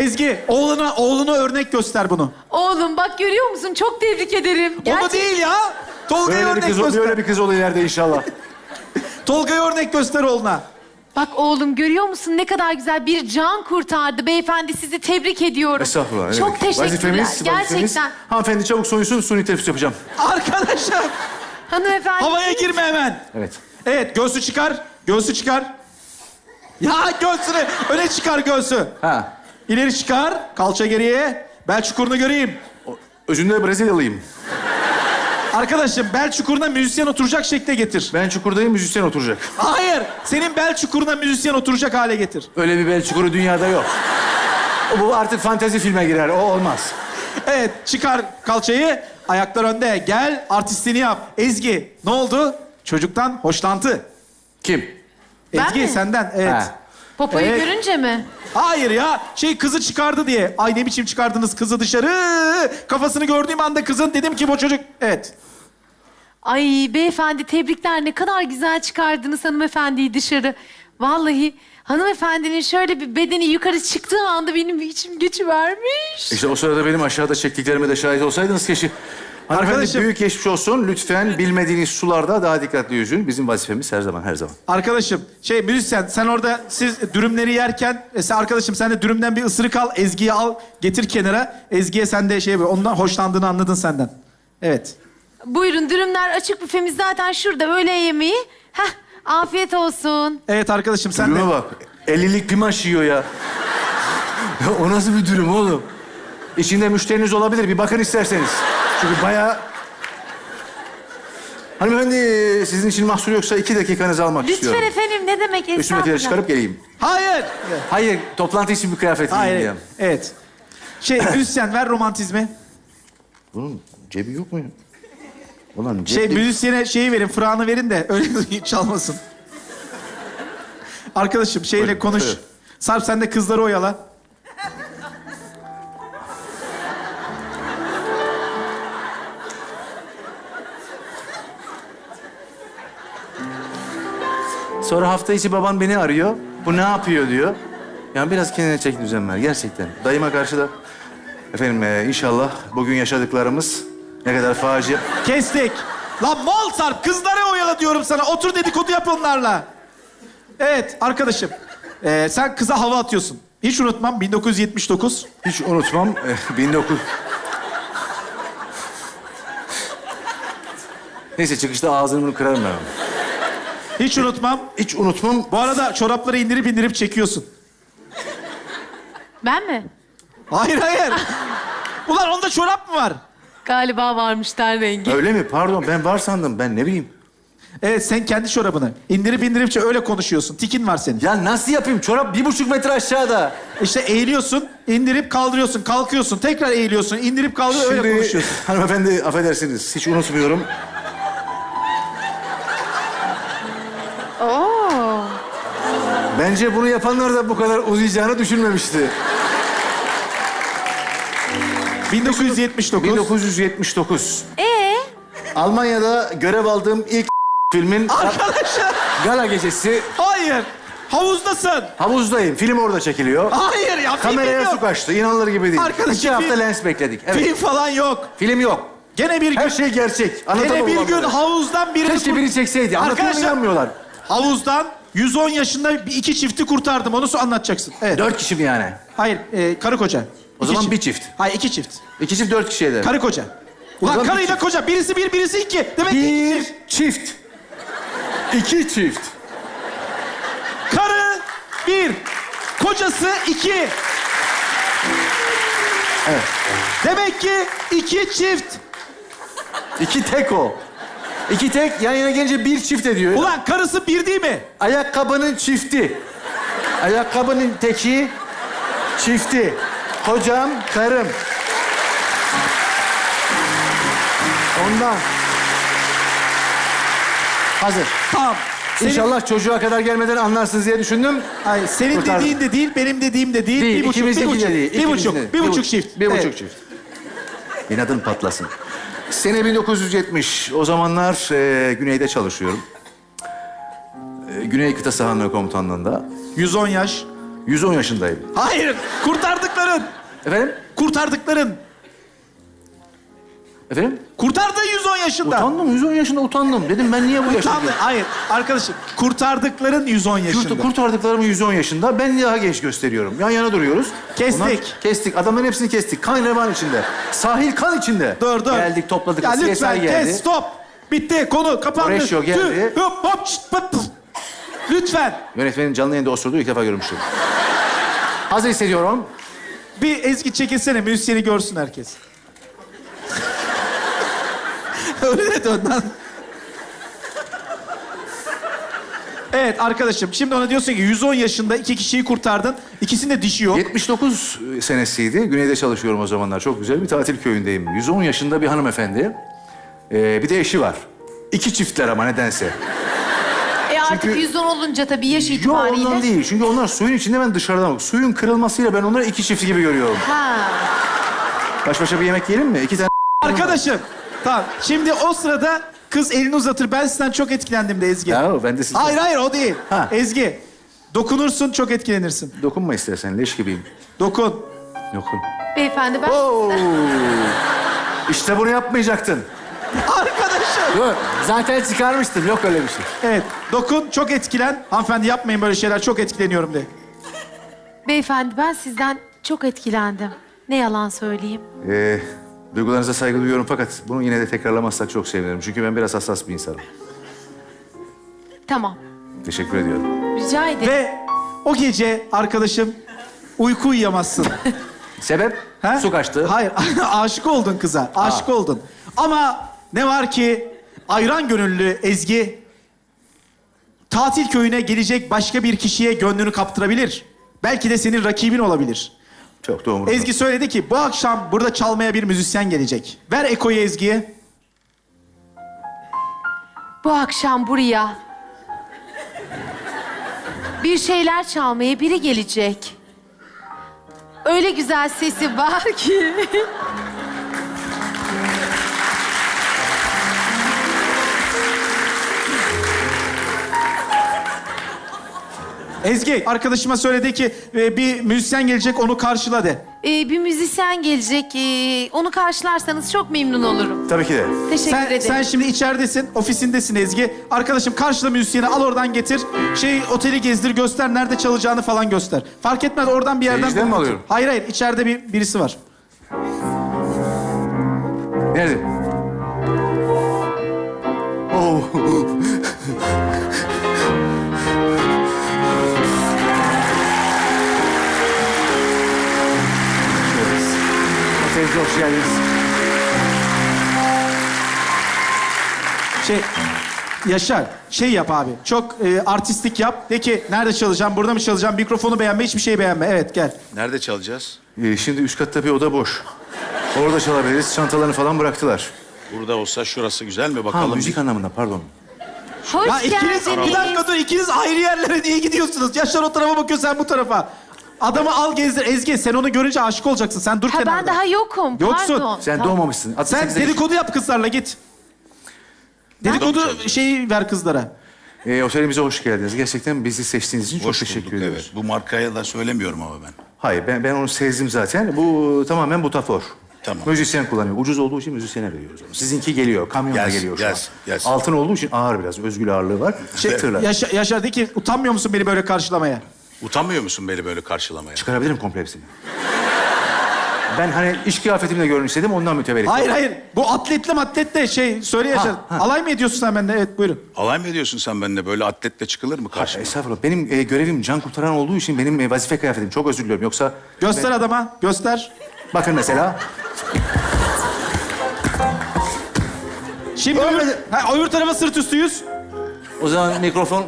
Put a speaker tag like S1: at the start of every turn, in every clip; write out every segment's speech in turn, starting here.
S1: Ezgi, oğluna örnek göster bunu.
S2: Oğlum bak görüyor musun? Çok tebrik ederim.
S1: Onu değil ya. Tolga'ya örnek göster.
S3: Böyle bir kız olur ileride inşallah.
S1: Tolga'ya örnek göster oğluna.
S2: Bak oğlum görüyor musun ne kadar güzel bir can kurtardı. Beyefendi sizi tebrik ediyorum.
S3: Estağfurullah.
S2: Çok teşekkürler.
S3: Vazifemiz.
S2: Gerçekten.
S3: Hanımefendi çabuk soyunsun, suni teneffüs yapacağım.
S1: Arkadaşım,
S2: Hanımefendi.
S1: havaya girme hemen.
S3: Evet.
S1: Evet, göğsü çıkar. Göğsü çıkar. Ya göğsünü, öne çıkar göğsü.
S3: Ha.
S1: İleri çıkar, kalça geriye. Bel çukurunu göreyim.
S3: Özünde Brezilyalıyım.
S1: Arkadaşım, bel çukuruna müzisyen oturacak şekle getir.
S3: Ben çukurdayım, müzisyen oturacak.
S1: Hayır, senin bel çukuruna müzisyen oturacak hale getir.
S3: Öyle bir bel çukuru dünyada yok. Bu artık fantezi filme girer, o olmaz.
S1: Evet, çıkar kalçayı, ayaklar önde. Gel, artistliğini yap. Ezgi, ne oldu? Çocuktan hoşlantı.
S3: Kim?
S2: Ben
S1: Ezgi,
S2: mi?
S1: senden, evet.
S3: Ha.
S2: Popoyu
S1: Evet.
S2: görünce mi?
S1: Hayır ya, kızı çıkardı diye. Ay ne biçim çıkardınız kızı dışarı. Kafasını gördüğüm anda kızın dedim ki bu çocuk... Evet.
S2: Ay beyefendi tebrikler. Ne kadar güzel çıkardınız hanımefendiyi dışarı. Vallahi hanımefendinin şöyle bir bedeni yukarı çıktığı anda benim içim geçivermiş.
S3: İşte o sırada benim aşağıda çektiklerime de şahit olsaydınız keşke. Hanımefendi
S1: Arkadaşım-
S3: büyük geçmiş olsun. Lütfen bilmediğiniz sularda daha dikkatli yüzün. Bizim vazifemiz her zaman.
S1: Arkadaşım, müzisyen sen orada siz dürümleri yerken... arkadaşım sen de dürümden bir ısırık al, Ezgi'yi al, getir kenara. Ezgi'ye sen de ondan hoşlandığını anladın senden. Evet.
S2: Buyurun dürümler açık büfemiz zaten şurada öğle yemeği. Heh afiyet olsun.
S1: Evet arkadaşım sen de...
S3: Dürüme bak. 50'lik pimaş yiyor ya. Ya o nasıl bir dürüm oğlum? İçinde müşteriniz olabilir. Bir bakın isterseniz. Çünkü bayağı... Hanımefendi sizin için mahsur yoksa 2 dakikanızı almak istiyorum.
S2: Lütfen efendim ne demek
S3: Üstümdekileri
S2: estağfurullah.
S3: çıkarıp geleyim.
S1: Hayır.
S3: Hayır, toplantı için bir kıyafet giyeyim
S1: Hayır.
S3: diye.
S1: Evet. müzisyen ver romantizmi.
S3: Bunun cebi yok mu ya? Ulan cebi...
S1: Müzisyene verin, frağını verin de öyle çalmasın. Arkadaşım
S3: Buyurun,
S1: konuş.
S3: buyurun.
S1: Sarp sen de kızları oyala.
S3: Sonra hafta içi baban beni arıyor. Bu ne yapıyor diyor. Yani biraz kendine çek düzen ver gerçekten. Dayıma karşı da... Efendim inşallah bugün yaşadıklarımız ne kadar facia...
S1: Kestik. Lan mal Sarp, kızları oyala diyorum sana. Otur dedikodu yap onlarla. Evet arkadaşım. Sen kıza hava atıyorsun. Hiç unutmam 1979.
S3: Hiç unutmam 19... Neyse çıkışta ağzını bunu kırarım ben.
S1: Hiç unutmam.
S3: Hiç unutmam.
S1: Bu arada çorapları indirip çekiyorsun.
S2: Ben mi?
S1: Hayır. Ulan onda çorap mı var?
S2: Galiba varmış ten rengi.
S3: Öyle mi? Pardon ben var sandım. Ben ne bileyim.
S1: Evet sen kendi çorabını. İndirip öyle konuşuyorsun. Tikin var senin.
S3: Ya nasıl yapayım? Çorap 1,5 metre aşağıda.
S1: İşte eğiliyorsun, indirip kaldırıyorsun, kalkıyorsun, tekrar eğiliyorsun, indirip kaldırıyorsun, öyle konuşuyorsun.
S3: Hanımefendi affedersiniz. Hiç unutmuyorum.
S2: Oo.
S3: Bence bunu yapanlar da bu kadar uzayacağını düşünmemişti.
S1: 1979.
S3: 1979. Almanya'da görev aldığım ilk filmin
S1: Arkadaşım,
S3: gala gecesi.
S1: hayır. Havuzdasın.
S3: Havuzdayım. Film orada çekiliyor.
S1: Hayır ya, film
S3: Kameraya
S1: yok.
S3: su kaçtı. İnanılır gibi değil.
S1: Arkadaşım,
S3: 2 hafta
S1: film-
S3: lens bekledik. Evet.
S1: Film falan yok.
S3: Film yok.
S1: Gene bir gün,
S3: Her şey gerçek.
S1: gene bir gün
S3: Anlatamam.
S1: havuzdan birini...
S3: Keşke biri çekseydi. Anlatıyorum
S1: Arkadaşlar,
S3: inanmıyorlar.
S1: havuzdan 110 yaşında 2 çifti kurtardım. Onu anlatacaksın. Evet.
S3: 4 kişi mi yani?
S1: Hayır, karı koca.
S3: O
S1: İki
S3: zaman bir çift.
S1: Hayır, 2 çift.
S3: 2 çift 4 kişiye de.
S1: Karı koca. Ulan
S3: zaman bir
S1: karıyla
S3: çift.
S1: koca. Birisi 1, birisi 2. Demek ki iki çift.
S3: çift. 2 çift.
S1: Karı 1, kocası 2.
S3: Evet.
S1: Demek ki 2 çift.
S3: 2 tek o. 2 tek yan yana gelince bir çift ediyor.
S1: Ulan karısı 1 değil mi?
S3: Ayakkabının çifti. Ayakkabının teki, çifti. Kocam, karım. Ondan. Hazır.
S1: Tamam.
S3: İnşallah çocuğa kadar gelmeden anlarsınız diye düşündüm.
S1: Hayır, senin
S3: Kurtardım.
S1: dediğin de değil, benim dediğim de değil.
S3: Değil,
S1: Bir buçuk,
S3: ikimizdeki
S1: bir buçuk,
S3: de değil.
S1: bir buçuk,
S3: İkimizin de.
S1: bir buçuk çift.
S3: Bir buçuk
S1: Evet.
S3: çift. İnadın patlasın. Sene 1970. O zamanlar güneyde çalışıyorum. Güney Kıta Sahanlığı Komutanlığı'nda.
S1: 110 yaş.
S3: 110 yaşındayım.
S1: Hayır, kurtardıkların.
S3: Efendim?
S1: Kurtardıkların.
S3: Efendim?
S1: Kurtardığın 110 yaşında.
S3: Utandım, 110 yaşında utandım. Dedim ben niye bu yaşta?
S1: Utandı. Hayır, arkadaşım. Kurtardıkların 110 yaşında.
S3: Kurtardıklarımı 110 yaşında. Ben daha genç gösteriyorum. Yan yana duruyoruz.
S1: Kestik.
S3: Kestik. Adamların hepsini kestik. Kan revan içinde. Sahil kan içinde.
S1: Dur.
S3: Geldik, topladık.
S1: Ya
S3: CSI
S1: lütfen
S3: geldi.
S1: kes, stop. Bitti, konu kapandı.
S3: Horatio geldi.
S1: Tüh, hop, hop, şşt, pıt, pıt. Lütfen.
S3: Yönetmenin canlı yayında osurduğu ilk defa görmüştüm. Hazır hissediyorum.
S1: Bir Ezgi çekilsene, müzisyeni görsün herkes. Öyle de dön lan. Evet arkadaşım, şimdi ona diyorsun ki 110 yaşında 2 kişiyi kurtardın. İkisinde dişi yok.
S3: 79 senesiydi. Güneyde çalışıyorum o zamanlar. Çok güzel bir tatil köyündeyim. 110 yaşında bir hanımefendi. Bir de eşi var. 2 çiftler ama nedense.
S2: Artık
S3: Çünkü-
S2: 110 olunca tabii yaş
S3: Yok
S2: itibariyle.
S3: ondan değil. Çünkü onlar suyun içinde, ben dışarıdan bak. Suyun kırılmasıyla ben onları 2 çift gibi görüyorum.
S2: Ha.
S3: Baş başa bir yemek yiyelim mi? 2 tane...
S1: Arkadaşım, tamam. Şimdi o sırada kız elini uzatır. Ben sizden çok etkilendim de Ezgi.
S3: Ya ben de sizden...
S1: Hayır o değil.
S3: Ha.
S1: Ezgi, dokunursun çok etkilenirsin.
S3: Dokunma istersen, leş gibiyim.
S1: Dokun.
S3: Dokun.
S2: Beyefendi ben
S3: Oo. İşte bunu yapmayacaktın.
S1: Arkadaşım.
S3: Yok, zaten çıkarmıştım. Yok öyle bir şey.
S1: Evet, dokun, çok etkilen. Hanımefendi yapmayın böyle şeyler, çok etkileniyorum de.
S2: Beyefendi ben sizden çok etkilendim. Ne yalan söyleyeyim.
S3: Duygularınıza saygı duyuyorum fakat bunu yine de tekrarlamazsak çok sevinirim. Çünkü ben biraz hassas bir insanım.
S2: Tamam.
S3: Teşekkür ediyorum.
S2: Rica ederim.
S1: Ve o gece arkadaşım uyku uyuyamazsın.
S3: Sebep?
S1: He?
S3: Su kaçtı.
S1: Hayır, aşık oldun kıza, aşık oldun. Ama ne var ki ayran gönüllü Ezgi tatil köyüne gelecek başka bir kişiye gönlünü kaptırabilir. Belki de senin rakibin olabilir.
S3: Çok doğru.
S1: Ezgi söyledi ki bu akşam burada çalmaya bir müzisyen gelecek. Ver Eko'yu Ezgi'ye.
S2: Bu akşam buraya bir şeyler çalmaya biri gelecek. Öyle güzel sesi var ki.
S1: Ezgi arkadaşıma söyledi ki bir müzisyen gelecek onu karşıla de.
S2: Bir müzisyen gelecek. Onu karşılarsanız çok memnun olurum.
S3: Tabii ki de.
S2: Teşekkür
S1: Sen,
S2: ederim.
S1: sen şimdi içeridesin, ofisindesin Ezgi. Arkadaşım karşıla müzisyeni, al oradan getir. Oteli gezdir, göster, nerede çalacağını falan göster. Fark etmez, oradan bir yerden...
S3: Seyirciden mi alıyorum?
S1: Hayır, içeride birisi var.
S3: Nerede? Oh. Otelimize hoş geldiniz.
S1: Yaşar, yap abi. Çok artistik yap. De ki nerede çalacağım, burada mı çalacağım? Mikrofonu beğenme, hiçbir şey beğenme. Evet, gel.
S4: Nerede çalacağız?
S3: Şimdi üst katta bir oda boş. Orada çalabiliriz. Çantalarını falan bıraktılar.
S4: Burada olsa şurası güzel mi
S3: Ha,
S4: bakalım?
S3: müzik anlamında pardon.
S2: Hoş
S1: Ya ikiniz,
S2: geldiniz.
S1: bir dakika dur, ikiniz ayrı yerlere niye gidiyorsunuz? Yaşar o tarafa bakıyor, sen bu tarafa. Adamı al gezdir. Ezgi, sen onu görünce aşık olacaksın. Sen dur
S2: Ha,
S1: kenarda.
S2: ben daha yokum.
S1: Yoksun.
S2: Pardon.
S3: Sen
S2: Tamam.
S3: doğmamışsın.
S1: Sen dedikodu yap kızlarla, git. Dedikodu şeyi ver kızlara.
S3: Otelimize hoş geldiniz. Gerçekten bizi seçtiğiniz için
S4: Hoş
S3: çok teşekkür
S4: bulduk,
S3: ediyoruz.
S4: evet. Bu markaya da söylemiyorum ama ben.
S3: Hayır, ben onu sezdim zaten. Bu tamamen butafor.
S4: Tamam.
S3: Müzisyen kullanıyor. Ucuz olduğu için müzisyene veriyoruz onu. Sizinki geliyor, kamyonla
S4: Gelsin,
S3: geliyor şu
S4: gelsin,
S3: an.
S4: gelsin.
S3: Altın olduğu için ağır biraz, özgül ağırlığı var. Tırlar.
S1: Yaşar de ki utanmıyor musun beni böyle karşılamaya?
S4: Utanmıyor musun beni böyle karşılamaya?
S3: Çıkarabilirim komple hepsini. Ben hani iş kıyafetimle görün istedim, ondan mütevellit.
S1: Hayır. Bu atletle de söyle Yaşar.
S3: ha.
S1: Alay mı ediyorsun sen benden? Evet, buyurun.
S4: Alay mı ediyorsun sen benimle? Böyle atletle çıkılır mı karşıma?
S3: Estağfurullah. Benim görevim can kurtaran olduğu için benim vazife kıyafetim. Çok özür diliyorum. Yoksa...
S1: Göster adama, göster.
S3: Bakın mesela.
S1: Şimdi öbür tarafa sırt üstü yüz.
S3: O zaman mikrofon...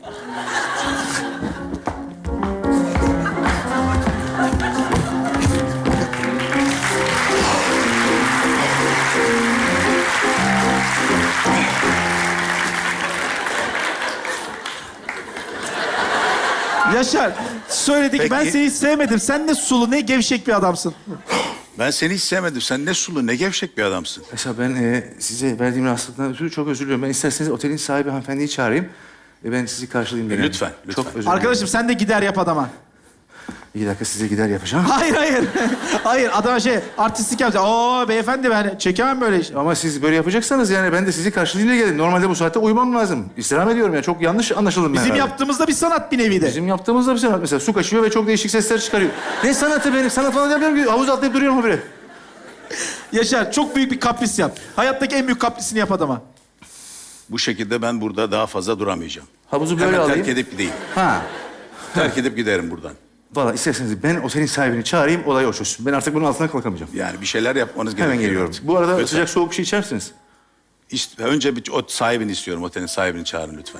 S1: Yaşar, söyledik.
S4: Peki.
S1: Ben seni hiç sevmedim. Sen ne sulu, ne gevşek bir adamsın.
S4: Ben seni hiç sevmedim. Sen ne sulu, ne gevşek bir adamsın.
S3: Mesela ben size verdiğim rahatsızlıktan ötürü çok özür diliyorum. Ben isterseniz otelin sahibi hanımefendiyi çağırayım. Ben sizi karşılayayım. derim.
S4: Lütfen, lütfen.
S3: Çok özür dilerim.
S1: Arkadaşım sen de gider yap adama.
S3: 2 dakika size gider yapacağım.
S1: Hayır, hayır. Hayır, adam artistlik yapacak. Oo beyefendi ben çekemem böyle iş.
S3: Ama siz böyle yapacaksanız yani ben de sizi karşılığıyla geldim. Normalde bu saatte uyumam lazım. İstirham ediyorum ya. Çok yanlış anlaşıldım ben
S1: Bizim
S3: herhalde.
S1: yaptığımızda bir sanat bir nevi de.
S3: Bizim yaptığımızda bir sanat. Mesela su kaçıyor ve çok değişik sesler çıkarıyor. Ne sanatı benim? Sanat falan yapmıyorum ki. Havuz atlayıp duruyorum habire.
S1: Yaşar, çok büyük bir kapris yap. Hayattaki en büyük kaprisini yap adama.
S4: Bu şekilde ben burada daha fazla duramayacağım.
S3: Havuzu böyle
S4: Hemen
S3: alayım.
S4: terk edip gideyim.
S3: Ha.
S4: Terk edip giderim buradan.
S3: Valla isterseniz ben otelin sahibini çağırayım, olay o çözsün. Ben artık bunun altına kalkamayacağım.
S4: Yani bir şeyler yapmanız gerekiyor.
S3: Hemen geliyorum. Bu arada
S4: Lütfen.
S3: sıcak soğuk bir şey içer misiniz?
S4: Önce bir o sahibini istiyorum. Otelin sahibini çağırın lütfen.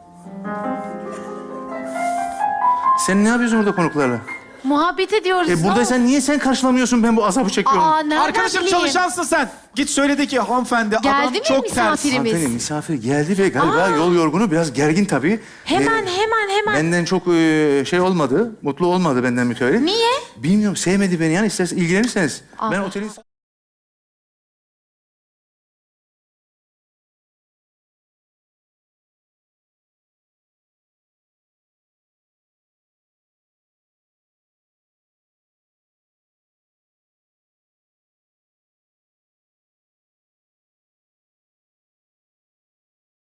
S3: Sen ne yapıyorsun burada konuklarla?
S2: Muhabbet ediyoruz.
S3: Buradaysan niye sen karşılamıyorsun, ben bu azabı çekiyorum?
S2: Aa, nereden
S1: Arkadaşım
S2: bileyim?
S1: çalışansın sen. Git söyledi ki hanımefendi
S2: Geldi
S1: adam
S2: mi
S1: çok ters.
S2: misafirimiz?
S3: Hanımefendi misafir geldi ve galiba yol yorgunu, biraz gergin tabii.
S2: Hemen.
S3: Benden çok şey olmadı, mutlu olmadı benden mütevellit.
S2: Niye?
S3: Bilmiyorum, sevmedi beni yani. İstersen ilgilenirseniz. Ben otelin...